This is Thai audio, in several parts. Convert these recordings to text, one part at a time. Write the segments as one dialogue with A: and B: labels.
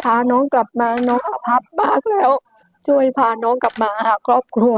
A: พาน้องกลับมาน้องอาภัพมากแล้วช่วยพาน้องกลับมาหาครอบครัว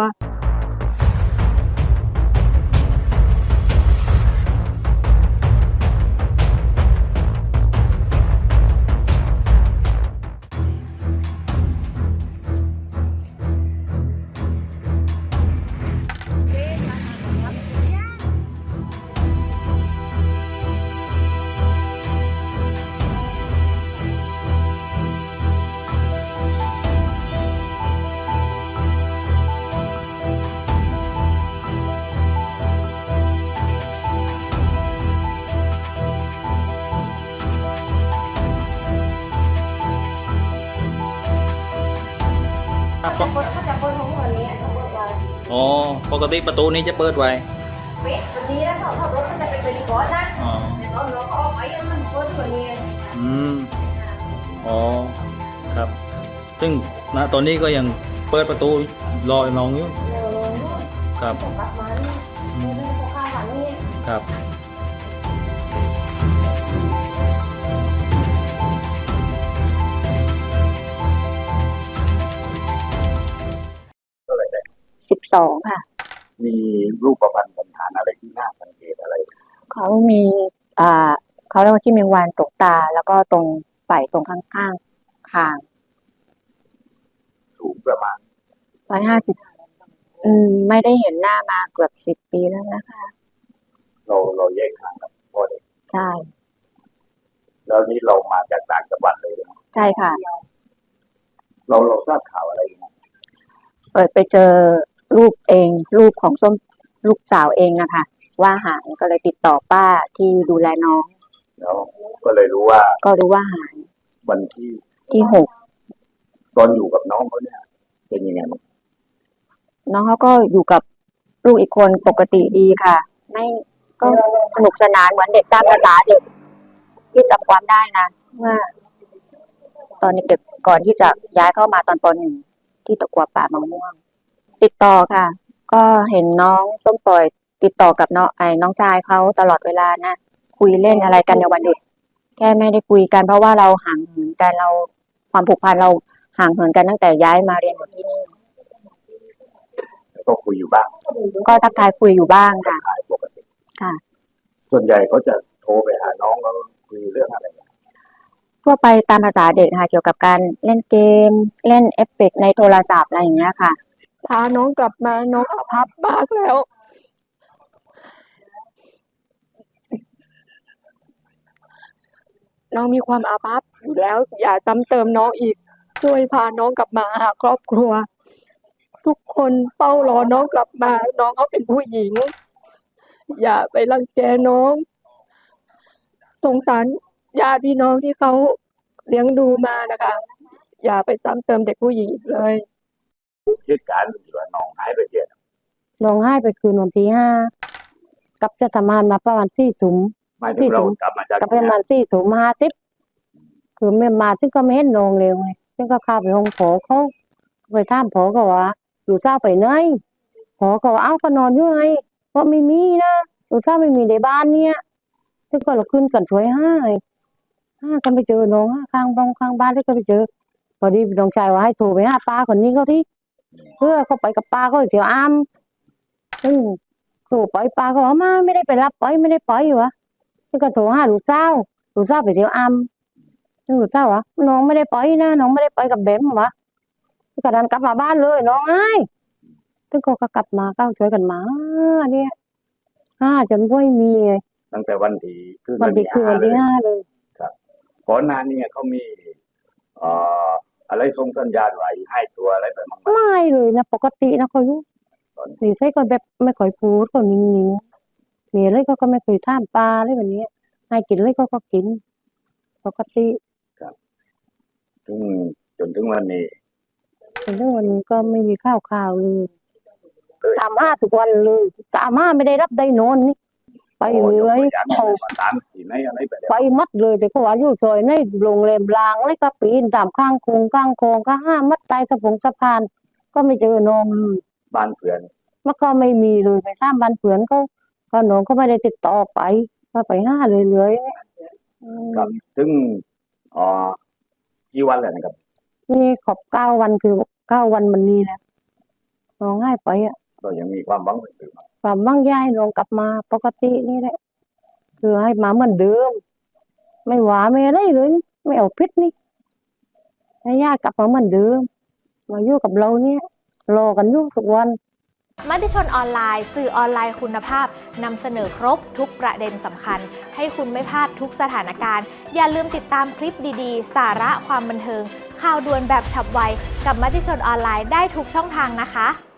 B: ครับ
C: เขาจะเปิดของวันนี้เขาเปิดไว้
B: อ๋อปกติประตูนี้จะเปิดไว้
C: เวทวันนี้แล้วเขารถมันจะเป็นบริกรนะ
B: อ๋อ
C: แต่ตอนเราออกไปมันเปิดวันนี้
B: อืมอ๋อครับ ซึ่งณตอนนี้ก็ยังเปิดประตูรอน้องอยู่
C: เร็วเลย
B: ครับ
C: ส่งกลับมาเนี่ยไม่ได้พอข้าววันนี้
B: ครับ
A: 12ค่ะ
D: มีรูปพรรณสันฐานอะไรที่น่าสังเกตอะไร
A: เขามีเขาเรียกว่าที่มีวานตกตาแล้วก็ตรงไฝตรงข้างๆคาง
D: สูงประมาณ
A: 150ไม่ได้เห็นหน้ามาเกือบ10 ปีแล้วนะคะ
D: เราแยกทางกับพ่อเด็ก
A: ใช่
D: แล้วนี่เรามาจากต่างจังหวัดเลยนะ
A: ใช่ค่ะ
D: เราทราบข่าวอะไรนะ
A: เปิดไปเจอรูปเองรูปของส้มลูกสาวเองนะคะว่าหายก็เลยติดต่อป้าที่ดูแลน้อง
D: แล้วก็เลยรู้ว่า
A: หาย
D: วัน
A: ที่6
D: ตอนอยู่กับน้องเขาเนี่ยเป็นยังไงบ้าง
A: น้องเขาก็อยู่กับลูกอีกคนปกติดีค่ะไม่ก็สนุกสนานเหมือนเด็กตามภาษาเด็กที่จำความได้นะว่าตอนเด็กก่อนที่จะย้ายเข้ามาตอนป.1ที่ตะกัวป่ามะม่วงติดต่อค่ะก็เห็นน้องส้มปล่อยติดต่อกับน้องชายเขาตลอดเวลานะคุยเล่นอะไรกันในวันหยุดแค่ไม่ได้คุยกันเพราะว่าเราห่างเหินกันเราความผูกพันเราห่างเหินกันตั้งแต่ย้ายมาเรียนอยู่ที่นี่
D: ก็คุยอยู่บ้าง
A: ก็ทักทายคุยอยู่บ้างค่ะ
D: ปกติ
A: ค่ะ
D: ส่วนใหญ่เขาจะโทรไปหาน้องแล้วคุยเรื่องอะไร
A: ทั่วไปตามภาษาเด็กค่ะเกี่ยวกับการเล่นเกมเล่นเอฟเฟกต์ในโทรศัพท์อะไรอย่างเงี้ยค่ะพาน้องกลับมาน้องอาภัพมากแล้วน้องมีความอาภัพอยู่แล้วอย่าซ้ำเติมน้องอีกช่วยพาน้องกลับมาหาครอบครัวทุกคนเฝ้ารอน้องกลับมาน้องเขาเป็นผู้หญิงอย่าไปรังแกน้องสงสารญาติพี่น้องที่เขาเลี้ยงดูมานะคะอย่าไปซ้ำเติมเด็กผู้หญิงอีกเลย
D: เหตุการณ์ที่ว่าน้องหายไปเดือน
A: น้องหายไปคืนวันที่5กับจะทำงานมาประมาณ4 ทุ่ม
D: หมายถึงเรากลับมาจาก
A: ประมาณ4 ทุ่ม50คือไม่มาซึ่งก็ไม่เห็นน้องเลยซึ่งก็เข้าไปห้องผอเขาไปถามผอก็ว่าอยู่เจ้าไปไหนผอก็ว่าเอ้าก็นอนอยู่ไงเพราะไม่มีนะอยู่เจ้าไม่มีในบ้านเนี่ยซึ่งก็เราขึ้นกันช่วยห้าก็ไปเจอน้องข้างบ้านที่ก็ไปเจอพอดีน้องชายว่าให้โทรไปหาป้าคนนี้เขาที่เพื่อเขาไปกับป้าเขาเสียวอ้ำซึ่งโทรไปป้าก็ว่ามาไม่ได้ไปรับไปไม่ได้ไปอยู่วะซึ่งก็โทรหาลูกสาวไปเสียวอ้ำซึ่งลูกสาววะน้องไม่ได้ไปนะน้องไม่ได้ไปกับเบมวะซึ่งก็ดันกลับมาบ้านเลยน้องไอ้ซึ่งก็กลับมาก็ช่วยกันมาเนี่ยจนไม่มี
D: ตั้งแต่วันที่
A: วันที่5เลย
D: ครับก่อนหน้านี้เขามีอะไรส่งสัญญาณไว้ให้ตัวอะไรไปบ้าง
A: ไม่เลยนะปกตินะเขาอยู่สีใส่ก็แบบไม่ค่อยพูดก็นิ่งๆมีอะไรก็ไม่เคยท่ามปลาอะไรแบบนี้ให้กินอะไรก็กินปกติ
D: ครับจนถึงวันนี้
A: ก็ไม่มีข้าวเลยตาม5ทุกวันเลยตาม5ไม่ได้รับได้นอนนี่ไปเลยไปมัดเลยแต่ก็ว่าอยู่ซอยในโรงแรมรางแล้วก็ปีนตามข้างโคงก็5 มัดใต้สะพานก็ไม่เจอน้อง
D: บ้านเพื่อน
A: มันก็ไม่มีเลยไปสร้างบ้านเพื่อนก็น้องก็ไม่ได้ติดต่อไปก็ไป5เลย
D: ครับซึ่งกี่วันแล้วนะครับ
A: นี่ขอบ9 วันคือ9 วันมันนี้แหละน้องให้ไปอ่ะ
D: ก็ยังมีความหวังอยู่
A: ความมั่งย้ายน้องกลับมาปกตินี่แหละคือให้มาเหมือนเดิม ไม่หวาไม่อะไรเลยนี่ไม่เอาพิษนี่ให้ย่ากลับมาเหมือนเดิมมาอยู่กับเราเนี่ยรอกันอยู่ทุกวัน
E: มติชนออนไลน์สื่อออนไลน์คุณภาพนำเสนอครบทุกประเด็นสำคัญให้คุณไม่พลาดทุกสถานการณ์อย่าลืมติดตามคลิปดีๆ สาระความบันเทิงข่าวด่วนแบบฉับไวกับมติชนออนไลน์ได้ทุกช่องทางนะคะ